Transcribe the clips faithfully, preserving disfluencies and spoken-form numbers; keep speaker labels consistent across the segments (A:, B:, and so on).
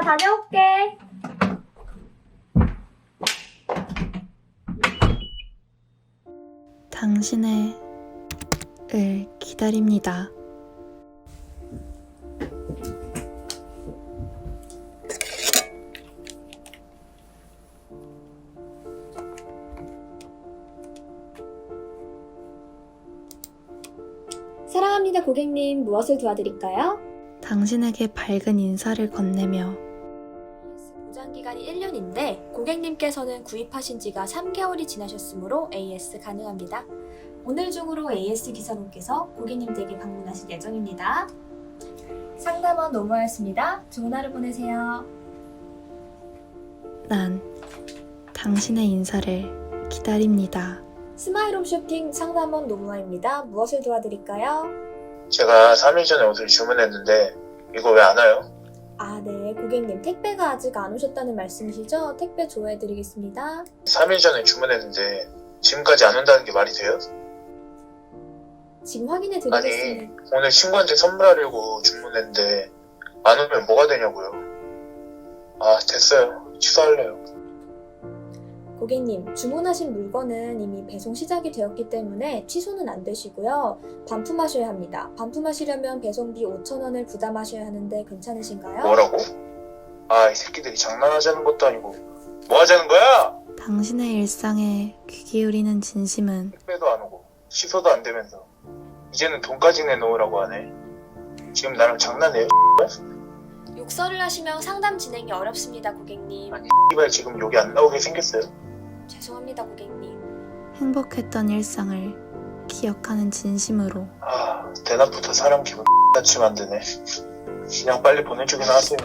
A: 다녀올게.
B: 당신의 을 기다립니다.
A: 사랑합니다 고객님, 무엇을 도와드릴까요?
B: 당신에게 밝은 인사를 건네며
A: 보장기간이 일 년인데 고객님께서는 구입하신 지가 삼 개월이 지나셨으므로 에이에스 가능합니다. 오늘 중으로 에이에스 기사분께서 고객님 댁에 방문하실 예정입니다. 상담원 노무였습니다. 좋은 하루 보내세요.
B: 난 당신의 인사를 기다립니다.
A: 스마일홈 쇼핑 상담원 노무아입니다. 무엇을 도와드릴까요?
C: 제가 삼 일 전에 옷을 주문했는데 이거 왜 안 와요?
A: 아, 네. 고객님 택배가 아직 안 오셨다는 말씀이시죠? 택배 조회해드리겠습니다.
C: 삼 일 전에 주문했는데 지금까지 안 온다는 게 말이 돼요?
A: 지금 확인해
C: 아니
A: 드리겠습니다.
C: 오늘 친구한테 선물하려고 주문했는데 안 오면 뭐가 되냐고요. 아 됐어요. 취소할래요.
A: 고객님, 주문하신 물건은 이미 배송 시작이 되었기 때문에 취소는 안 되시고요. 반품하셔야 합니다. 반품하시려면 배송비 오천 원을 부담하셔야 하는데 괜찮으신가요?
C: 뭐라고? 아 이 새끼들이 장난하자는 것도 아니고 뭐 하자는 거야?
B: 당신의 일상에 귀 기울이는 진심은
C: 택배도 안 오고 취소도 안 되면서 이제는 돈까지 내놓으라고 하네. 지금 나랑 장난해요?
A: 욕설을 하시면 상담 진행이 어렵습니다, 고객님.
C: 아니 이발 지금 여기 안 나오게 생겼어요?
A: 죄송합니다, 고객님.
B: 행복했던 일상을 기억하는 진심으로
C: 아 대낮부터 사람 기분 X같이 만드네. 그냥 빨리 보내주긴 하세요.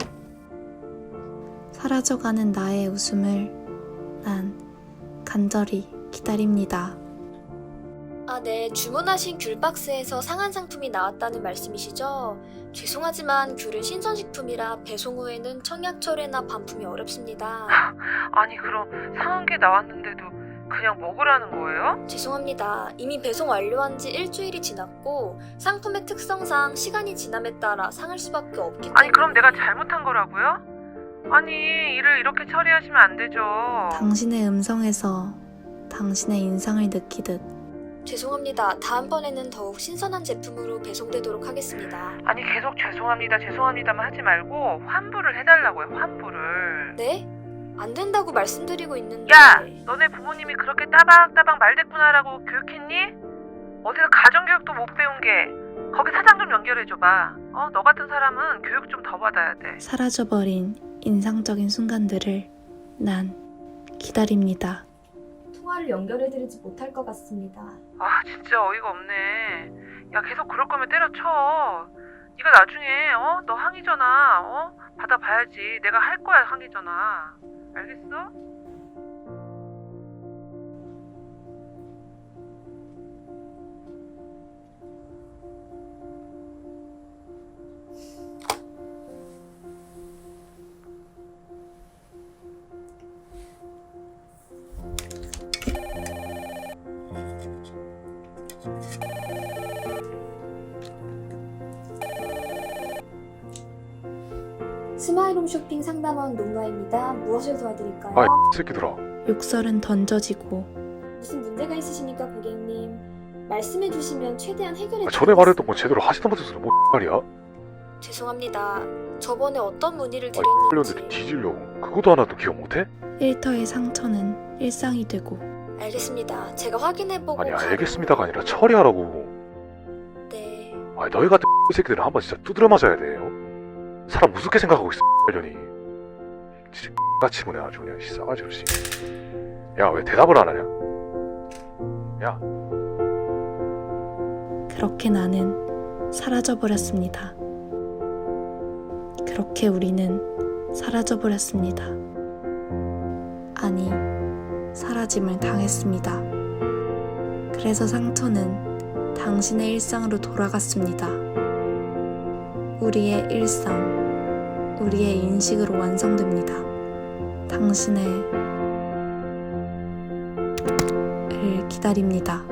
B: 사라져가는 나의 웃음을 난 간절히 기다립니다.
A: 아, 네. 주문하신 귤 박스에서 상한 상품이 나왔다는 말씀이시죠? 죄송하지만 귤은 신선식품이라 배송 후에는 청약 철회나 반품이 어렵습니다.
D: 아니 그럼 상한 게 나왔는데도 그냥 먹으라는 거예요?
A: 죄송합니다. 이미 배송 완료한 지 일주일이 지났고 상품의 특성상 시간이 지남에 따라 상할 수밖에 없기 때문에
D: 아니 그럼 내가 잘못한 거라고요? 아니 일을 이렇게 처리하시면 안 되죠.
B: 당신의 음성에서 당신의 인상을 느끼듯
A: 죄송합니다. 다음번에는 더욱 신선한 제품으로 배송되도록 하겠습니다.
D: 아니 계속 죄송합니다 죄송합니다만 하지 말고 환불을 해달라고요. 환불을.
A: 네? 안 된다고 말씀드리고 있는데
D: 야 너네 부모님이 그렇게 따박따박 말대꾸나라고 교육했니? 어디서 가정교육도 못 배운 게 거기 사장 좀 연결해줘봐. 어? 너 같은 사람은 교육 좀 더 받아야 돼.
B: 사라져버린 인상적인 순간들을 난 기다립니다.
A: 통화를 연결해드리지 못할 것 같습니다.
D: 아 진짜 어이가 없네. 야 계속 그럴 거면 때려쳐. 네가 나중에 어? 너 항의 전화 어? 받아봐야지. 내가 할 거야 항의 전화. 알겠어?
A: 스마일홈 쇼핑 상담원 노무아입니다. 무엇을 도와드릴까요?
E: 아, 이 새끼들아.
B: 욕설은 던져지고
A: 무슨 문제가 있으십니까, 고객님? 말씀해 주시면 최대한 해결해
E: 아, 전에 말했던 거 제대로 하지도 못해서 뭐 말이야?
A: 죄송합니다. 저번에 어떤 문의를
E: 아,
A: 드렸는지
E: 이 뒤지려고. 그것도 하나도 기억 못해?
B: 일터의 상처는 일상이 되고
A: 알겠습니다. 제가 확인해보고
E: 아니,
A: 가-
E: 알겠습니다가 아니라 처리하라고.
A: 네.
E: 아니, 너희 같은 이 새끼들은 한번 진짜 두드려 맞아야 돼요. 사람 우습게 생각하고 있어, 려니 진짜 같이 보내 아주 그냥 싸가지 없이. 야, 왜 대답을 안 하냐? 야.
B: 그렇게 나는 사라져버렸습니다. 그렇게 우리는 사라져버렸습니다. 아니, 사라짐을 당했습니다. 그래서 상처는 당신의 일상으로 돌아갔습니다. 우리의 일상, 우리의 인식으로 완성됩니다. 당신의 을 기다립니다.